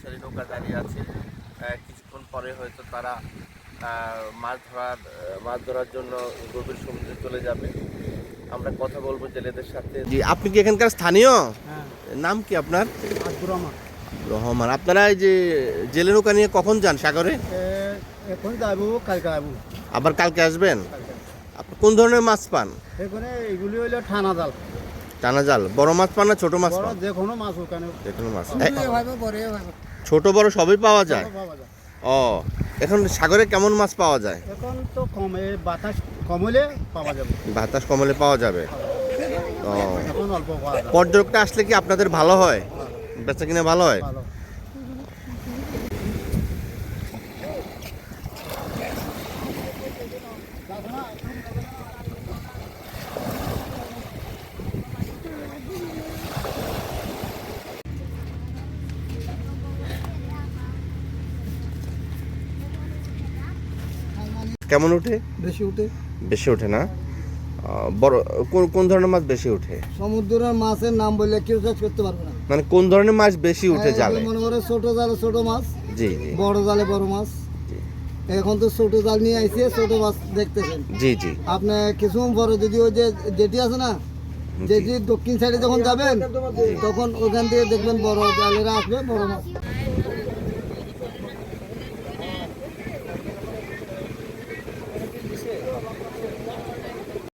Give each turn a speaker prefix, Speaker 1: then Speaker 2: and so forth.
Speaker 1: ফেরি নৌকা দাঁড়িয়ে আছে। কিছুক্ষণ পরে হয়তো তারা মাছ ধরার জন্য গভীর সমুদ্রে চলে যাবে। আমরা কথা বলবো জেলেদের সাথে। জি, আপনি কি এখানকার স্থানীয়?
Speaker 2: হ্যাঁ,
Speaker 1: নাম কি আপনার?
Speaker 2: আব্দুর রহমান।
Speaker 1: রহমান। আপনারা এই যে জেলে নৌকা নিয়ে কখন যান সাগরে?
Speaker 2: এখন যাবো, কালকে যাবো।
Speaker 1: আবার কালকে আসবেন? আপনি কোন ধরনের মাছ পান?
Speaker 2: এখানে এইগুলি হইলো ঠানা জাল।
Speaker 1: টানা জাল। বড় মাছ পান না ছোট মাছ
Speaker 2: বড়
Speaker 1: পান?
Speaker 2: যে কোনো মাছ ওখানে
Speaker 1: যে কোনো মাছ।
Speaker 2: বড়
Speaker 1: ছোট বড় সবই পাওয়া যায়?
Speaker 2: পাওয়া যায়।
Speaker 1: ও, এখন সাগরে কেমন মাছ পাওয়া যায়?
Speaker 2: এখন তো কমে বাতাস কম হলে পাওয়া যাবে।
Speaker 1: বাতাস কমলে পাওয়া যাবে। ও,
Speaker 2: এখন অল্প পাওয়া যাবে।
Speaker 1: পর্যটকটা আসলে কি আপনাদের ভালো হয়? বেচা কিনা ভালো হয়?
Speaker 2: ভালো।
Speaker 1: কেমন ওঠে?
Speaker 2: বেশি উঠে
Speaker 1: বেশি ওঠে না? বড় কোন ধরনের মাছ বেশি ওঠে?
Speaker 2: সমুদ্রের মাছের নাম বললে কেউ চাষ করতে পারবে না।
Speaker 1: মানে কোন ধরনের মাছ বেশি উঠে জালে?
Speaker 2: মনে করে ছোট জালে ছোট মাছ,
Speaker 1: জি জি
Speaker 2: বড় জালে বড় মাছ। এখন তো ছোট জাল নিয়ে আইছে, ছোট মাছ দেখতেছেন।
Speaker 1: জি জি।
Speaker 2: আপনি কিছুক্ষণ পরে যদি ওই যে জেটি আছে না, জেটি দক্ষিণ সাইডে যখন যাবেন তখন ওখান থেকে দেখবেন বড় জালেরা আসবে, বড় মাছ।